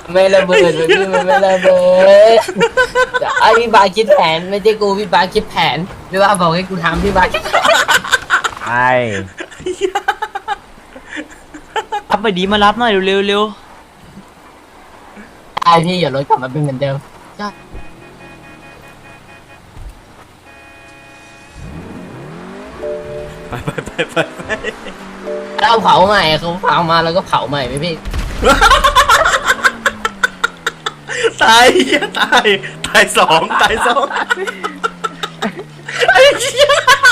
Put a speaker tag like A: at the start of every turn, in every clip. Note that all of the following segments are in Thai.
A: ไม่ระเบิดพี่มันไม่ระเบิดไอพี่บาคิดแผนไม่ใช่กูพี่บาคิดแผนพี่บาบอกให้กูทำพี่บาคิด
B: ไอ้รับไปดีมารับหน่อยเร็วเร็ว
A: ไอพี่อย่ารถกลับมาเป็นเหมือนเดิม
C: ไป
A: เราเผาใหม่เขาเผามาแล้วก็เผาใหม่ไหมพี่
C: ตายตายสองไอ้เหี้ย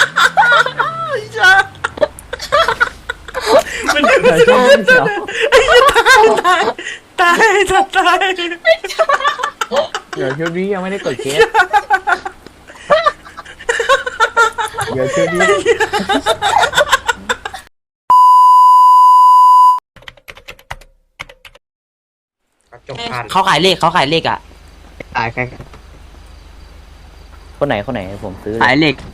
C: มันไอ้เหี้ยตาย
B: เดี๋ยวชุดนี้ยังไม่ได้กดเคสเดี๋ยวชุดนี้เขาขายเลขอ่ะ
D: ขายใคร
B: คนไหนผมซื้อ
D: ขายเหล็ก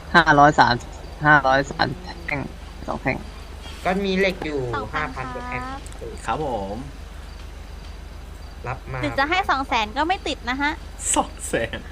D: 503แท่ง2แท่ง
E: ก็มีเหล็กอยู่5,000กว่าแท่ง
C: ครับผม
E: รับมา
F: ถึงจะให้200,000ก็ไม่ติดนะฮะ
C: 200,000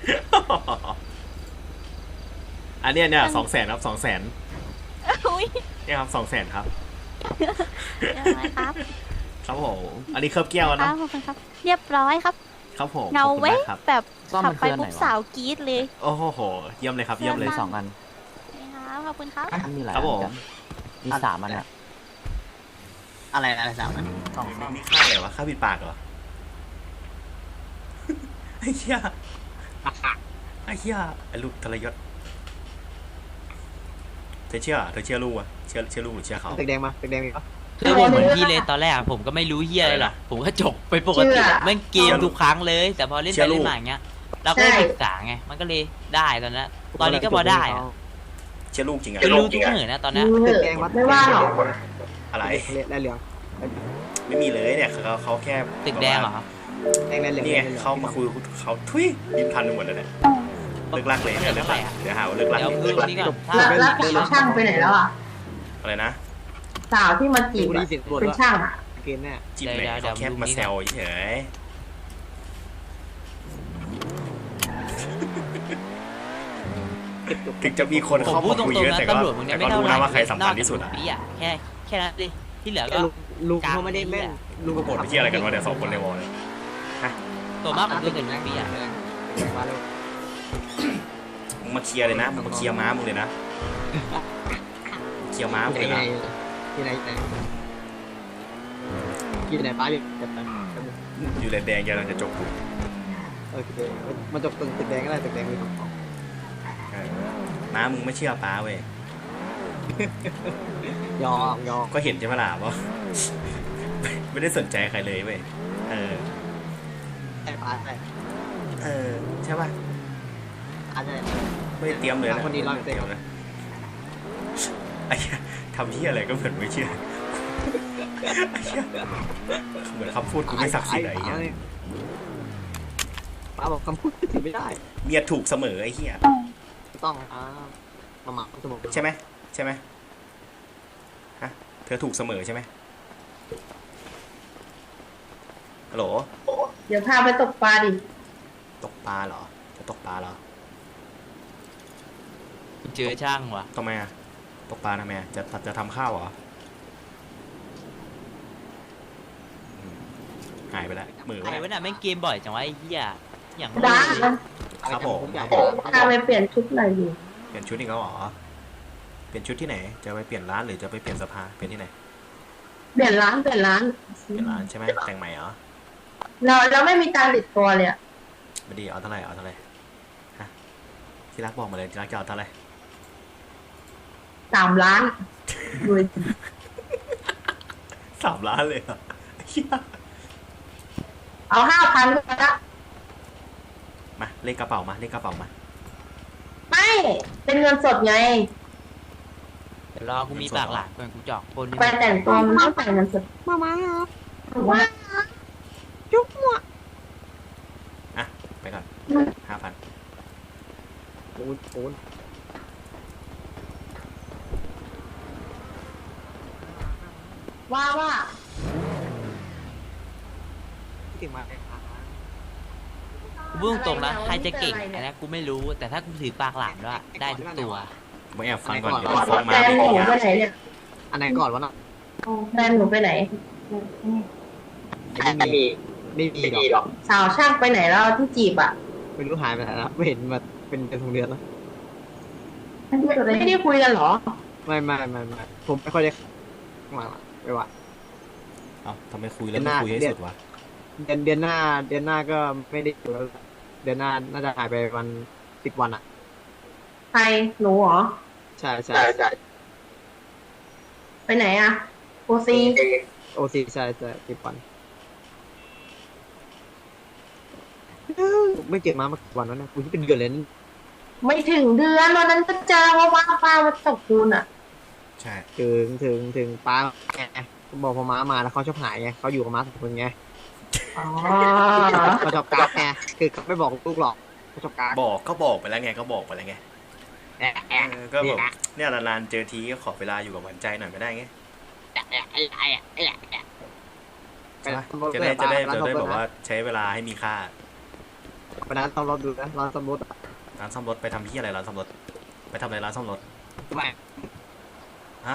C: อันนี้เนี่ย200,000ครับ200,000
F: อุ้ย
C: เนี่ยครับ200,000ครับ
F: ครับ
C: ครับผมอันนี้เคลือบแก้วนะ
F: ขอบคุณครับเรียบร้อยครับ
C: ครับผม
F: เงาเว้ยแบบขับไปปุ๊บสาวกรี๊ดเลย
C: โอ้โหเยี่ยมเลยครับเยี่ยมเลย
B: 2 อัน
F: ครับขอบคุณครับ
B: มีหลาย
C: ครับผม
B: มี3 อันอะ
D: อะไร3อัน
C: มีค่าอะไรวะค่าปิดปากเหรอไอ้เหี้ยไอ้ลูกทรยศเธอเชื่อลูกอะเชื่อลูกหรือเชื่อเขา
D: ตึกแดงมา
B: คือผมเหมือนพี่เลยตอนแรกผมก็ไม่รู้เฮียอะไรหรอกผมก็จบไปปกติแม่งเกมทุกครั้งเลยแต่พอเล่นไปเล่นมาอย่างเงี้ยเราก็ได้ศึกษาไงมันก็เลยได้ตอนนี้ก็พอได้อะ
C: เชื่อลูกจริงอะ
B: เป็นลูกทุกเหนือนะตอนนี้
D: ตึกแดงวัดไม่ว่าหรอ
C: อะไร
D: และเหลือง
C: ไม่มีเลยเนี่ยเขาแค่
B: ตึกแดงเหรอ
D: แดงและเหลือง
C: นี่ไงเขามาคุยเขาทุยยิ้มทันไปหมดเลยเนี่ยเลิกลักเลยเนี่ยเลิกลักเดี๋ยวหาว่าเลิกลัก
A: แล้วช่างไปไหนแล้วอ่ะ
C: อะไรนะ
A: สาวที่มาจีบเป็นช่างอ่ะ
D: เกณฑ์เนี่ย
C: จีบเลยเขาแค่มาแซวเฉยถึงจะมีคนเข้ามาคุยเยอะแต่ก็รู้นะว่าใครสำคัญที่สุดอ่ะ
B: แค่นั้นดิที่เหลือก็
D: ลุงเขาไม่ได้แม่น
C: ลุงกระโดดไปเที่ยวอะไรกันวะเดี๋ยว2 คนในวอลเลย
B: ตัวมากผมดูถึงปีอ่ะ
C: มึงมาเคลียร์เลยนะมึงมาเคลียร์ม้ามึงเลยนะเคลียร์ม้ามึงเลยนะ
D: ที่ไหนป้า
C: อยู่แดงๆกำลังจะจบ
D: โอเคมาจบตึกแดงก็ได้ตึกแดงมีของ
C: ม้ามึงไม่เชื่อป้าเว้ย
D: ยอม
C: ก็เห็นใช่ไหมล่ะว่าไม่ได้สนใจใครเลยเว้ย
D: ไอ้ป้า
C: ใช่ป่ะไม่ได้เตรียมเลยนะ
D: คนดีร้อยเต็ม
C: เลยไอ้ทำที่อะไรก็เหมือนไม่เชื่อเหมือนคำพูดกูไม่ศักดิ์สิทธิ์อะไรเงี้ย
D: ป้าบอกคำพูดถือไม่ได้
C: เมียถูกเสมอไอ้เหี้ย
D: ต้องมา
C: ใช่ไหมฮะเธอถูกเสมอใช่ไหมฮัลโหล
A: เดี๋ยวพาไปตกปลาดิ
C: ตกปลาเหรอจะตกปลาเหรอ
B: เจอช่างวะ
C: ทำไมอะตกปลาทำไมจะทำข้าวเหรอหายไปแล้วมือ
B: ไอ้วะน่ะแม่งเกมบ่อยจังวะไอ้เหี้ยอย่าง
A: ได้
C: ครับผม
A: พาไปเปลี่ยนชุดหน่อยดิ
C: เปลี่ยนชุดอีกแล้วเหรอเปลี่ยนชุดที่ไหนจะไปเปลี่ยนร้านหรือจะไปเปลี่ยนสภาเปลี่ยนที่ไหน
A: เปลี่ยนร้าน
C: ใช่ไหมแต่งใหม่เหรอ
A: เราไม่มีการติดตัวเลยอะ
C: ไม่ดีเอาเท่าไหร่ฮะที่รักบอกมาเลยที่รักจะเอาเท่าไหร่
A: 3 ล้านดู
C: 3 ล้านเลยเหรอ
A: เอา5,000ก็ได้
C: มาเลขกระเป๋ามา
A: ไม่เป็นเงินสดไง
B: เดี๋ยวรอกูมีปากหลานก่อนกูจอกคน
A: ไปแต่งตัวมันต้องแต่งเงินสด
D: มาครับ
A: ว่า
D: จุ๊บหัว
C: อ่ะไปก่อน5,000
D: โอน
A: ว่า
D: ถึงมา
B: กูพูดตรงๆนะใครจะเก่งอันนี้กูไม่รู้แต่ถ้ากูถือปากหลามด้วยได้ทุกตัว
C: มาแอบฟังก่อนเดี๋ยวฟ้องมา
G: แฟน
C: ไม่
G: หนู
C: ดี
G: ไป
C: อะ
G: ไหนเนี่ย
D: อันไหนก่อนวะเนาะ
G: แฟนหนูไปไหน
D: ไม่มีไม่มีหรอก
G: สาวช่างไปไหนแล้วที่จีบอ่ะ
D: ไม่รู้หายไปไหนแล้วไม่เห็นมาเป็น2 เดือนแล้ว
G: ไม่ได้คุยกันเหรอ
D: ไม่ผมไม่ค่อยได้มาไม่ว่า
C: เอ้าทำไมคุยแล้วไม่คุยให้สุดวะ
D: เดือนหน้าก็ไม่ได้อยู่แล้วเดือนหน้าน่าจะหายไปวัน10 วันอ่ะ
G: ใครหนูเหรอ
D: ใช่
G: ไปไหนอ่ะโอซี
D: OC ใช่10 วันไม่เก็บมากี่วันแล้วนะกูที่เป็นเดือนเลยนั่น
G: ไม่ถึงเดือนวันนั้นก็เจอว่าป้ามาตกคูณอ่ะ
C: ใช่
D: ถึงป้าไงบอกพอม้ามาแล้วเขาชอบหายไงเขาอยู่กับม้า2 คนไง
G: อ๋อ
D: เขาชอบการ์ดไงคือเขาไม่บอกลูกหรอกเขาชอบการ์ด
C: บอกไปแล้วไงก็บอกไปแล้วไงก็แบบเนี่ยนานๆเจอทีก็ขอเวลาอยู่กับหวานใจหน่อยไม่ได้ไงใช่ปะจะได้แบบว่าใช้เวลาให้มีค่า
D: วันนั้นต้องรถดูนะร้านซ่อมรถ
C: ร้านซ่อมรถไปทำที่อะไรร้านซ่อมรถไปทำอะไรร้านซ่อมรถ
D: ไม่
C: ฮะ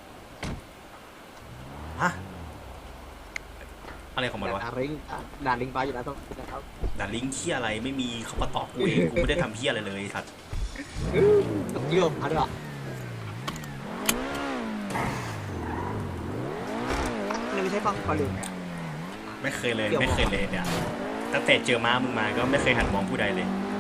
C: อะไรของมันวะ
D: ด่าลิงไปอยู่แล้วต้องนะครับ
C: ด่าลิงค์เที่ยอะไรไม่มีเขามาตอบกูเองกูไม่ได้ทำเที่ยอะไรเลยสัตว์
D: เยี่ยมเขาด้วยนี่ไม่ใช่ฟังคอลืมอ่ะ
C: ไม่เคยเลยเนี่ยตั้งแต่เจอม้ามึงมาก็ไม่เคยหันมองผู้ใดเลย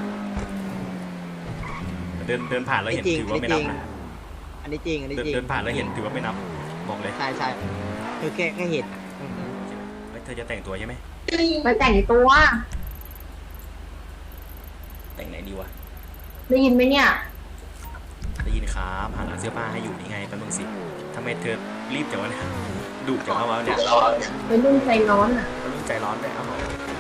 C: เดินผ่านแล้วเห็นถือว่าไม่นับนะ
D: อันนี้จริง
C: เดินผ่านแล้วเห็นถือว่าไม่นับบอกเลย
D: ใช่คือแค่เห็น
C: เธอจะแต่งตัวใช่ไหม
G: ไปแต่งตัว
C: แต่งไหนดีวะ
G: ได้ยินไหมเนี่ย
C: ได้ยินครับหาร้านเสื้อผ้าให้อยู่นี่ไงแป๊บนึงสิทำไมเธอรีบจังวะเนี่ยดุจังวะเนี่ย
G: เป็นรุ่นใจร้อนอ่ะ
C: รุ่นใจร้อนด้วยเอา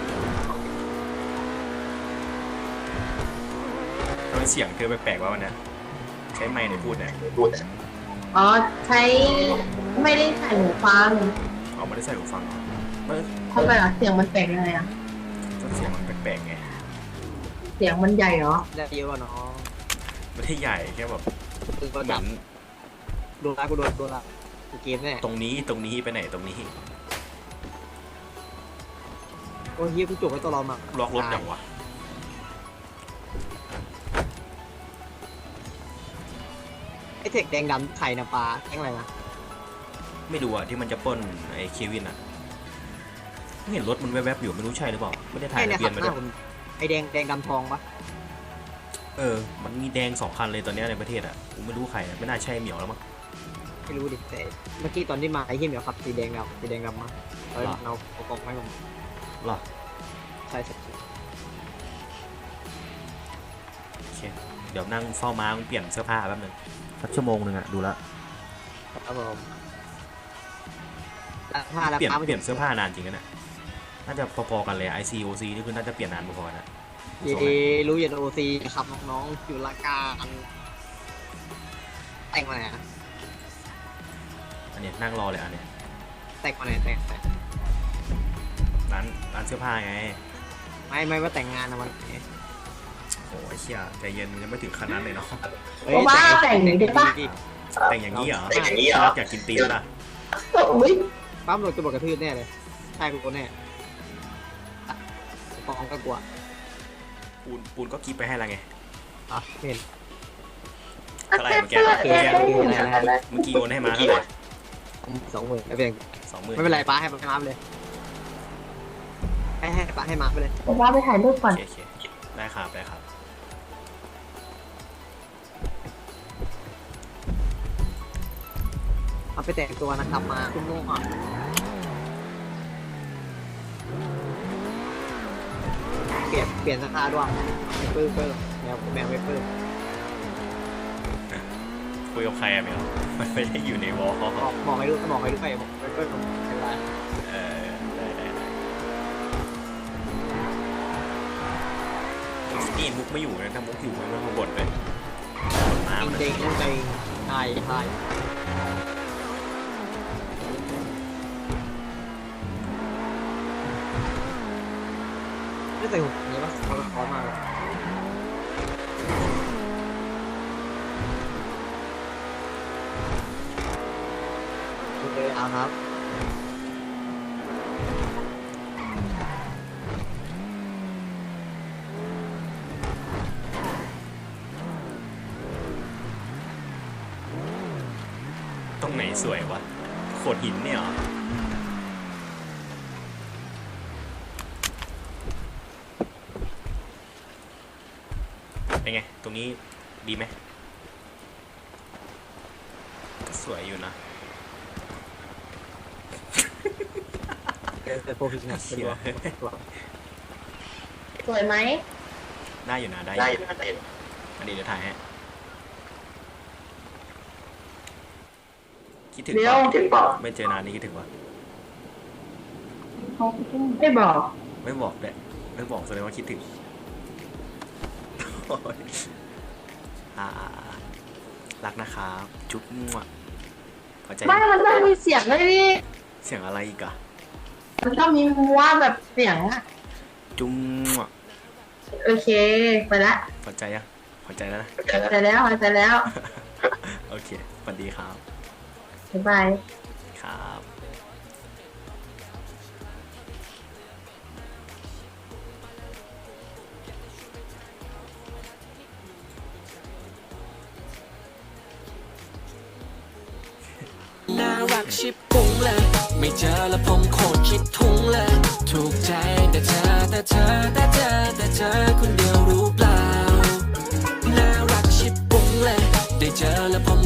C: ทำไมเสียงเธอแปลกๆวะวันนี้ใช้ไมค์ในพูดเนี่ย
G: อ๋อใช้ไม่ได้ใส่หูฟัง
C: เอาไม่ได้ใส่หูฟังเหรอไม่
G: ทำไมอ่ะเสียงมันแปลกยังไงอ่ะ
C: เสียงมันแปลกๆไง
G: เสียงมันใหญ่เหรอ
D: ได้เยอะกว่าน้อง
C: ไม่ได้ใหญ่แค่แบบ
D: คือ
C: เหมื
D: จั
C: อบ น
D: โดนละกูโดนละเกมแน่
C: ตรงนี้ไปไหนตรงนี้
D: โอ้ยเฮียกูจบไว้ตัวเรามา
C: ล็อกรถอย่างวะ
D: ไอ้เทคแดงดำไข่นะปลาแกงอะไรนะ
C: ไม่ดูอะที่มันจะปล้นไอ้เควินอะไม่เห็นรถมันแวบๆอยู่ไม่รู้ใช่หรือเปล่าไม่ได้ถ่าย
D: ไอ้
C: ทะ
D: เนี่ย
C: เบี
D: ขั
C: ยน
D: บ
C: มา
D: ห
C: ด้
D: น้า
C: วย
D: ผมไอ้แดงดำทองปะ
C: มันมีแดง2 คันเลยตอนนี้ในประเทศอะกูไม่รู้ใครอะไม่น่าใช่เหมียวแล้วมั้ง
D: ไม่รู้ดิแต่เมื่อกี้ตอนที่มาไอ้เฮียเหมียวขับสีแดงดำมาเราประกอบให้ผม
C: หรอ
D: ใช่
C: โอเคเดี๋ยวนั่งเฝ้าม้ามึงเปลี่ยนเสื้อผ้าแป๊บนึงสักชั่วโมงนึงอะดูแลว
D: ครับผมผ้าแล้ว
C: เปลี่ยน
D: ผ้าไม่
C: เปลี่ยนเสื้อผ้านานจริงนะเนี่ยน่าจะพอๆกันเลย ICOC นี่คือน่าจะเปลี่ยนนานพอๆนะ
D: รู้อย่าโอซีครับน้องๆอยู่ละการแต่งมาไหนอะ
C: อันเนี้ยนั่งรอเลยอันเนี้ย
D: แต่งมาไหนแต่ง
C: ร้านเสื้อผ้าไง
D: ไม่ว่าแต่งงานนะมัน
C: โอ้ยเชี่ยใจเย็นยังไม่ถึงขนาดนั้นเลยเนาะ
G: แต่งหนึ่งได้ปะ
C: แต่งอย่างนี้เหรออยากกินตีนล่ะ
G: อุ้ย
D: ปั๊มรถจะบอกกระทืบแน่เลยใช่กูแน่ฟองก็กลัว
C: ปูนก็กีบไปให้แล้วไง
D: อ่ะเห็น
C: เท่าไหร่เมื่อกี้เมื่อกี้โอนให้มาเท่าไหร่
D: 20,000ไม่เป็น
C: 20,000
D: ไม่เป็นไรป้าให้มาไปเลยให้ป้าให้มาไปเลย
G: ผมว่าไปถ่ายรูปก่อน
C: โอเคได้ครับ
D: เอาไปแต่งตัวนะครับมาคุณโม่ก่อนเปลี่ยนสภาด้วยไม่ปื้มแมวไม่ปื้ม
C: คุยกับใครอะเมียมันไม่ได้อยู่ในวอล
D: บอกให้รู้บอกไม่ปื้มเป็นไร
C: ได้นี่มุกไม่อยู่นะถ้ามุกอยู่มันก็บ่นเลยบ่นน้ำ
D: เด้งใจไทยใส่หูนี้ปะเขาก็พร้อมมากเลยโอเคเอาครับ
C: ตรงไหนสวยวะโขดหินเนี่ยเหรอเป็นไง ตรงนี้ดีไหมก็สวยอยู่นะ
D: เป็นโปรเฟชชั่นอล
C: เชี่ย
G: สวยไหม
C: ได้อยู่นะ ได้อยู่อันนี้เดี๋ยวถ่ายให้คิดถึง
G: เดี๋ยว
C: ปะไม่เจอนานนี่คิดถึงวะ
G: ไม่บอก
C: ไม่บอกเลยไม่บอกแสดงว่าคิดถึงโอ๊ยรักนะครับ จุ๊บมั่วพอใจ
G: ไม่มันต้องมีเสียงด้วยดิ
C: เสียงอะไรอีกอะ
G: มันต้องมีว่าแบบเสียงอะ
C: จุ๊บมั่ว
G: โอเคไปละ
C: พอใจยังพอใจแล้วนะ
G: ไปแล้วไปแล้ว
C: โอเคสวัสดีครับ
G: บ๊ายบาย
C: ครับ
H: น่ารักชิบปุ้งเลย ไม่เจอแล้วผมโคตรคิดทุ้งเลย ถูกใจแต่เธอคนเดียวรู้เปล่า น่ารักชิบปุ้งเลย ได้เจอแล้วผม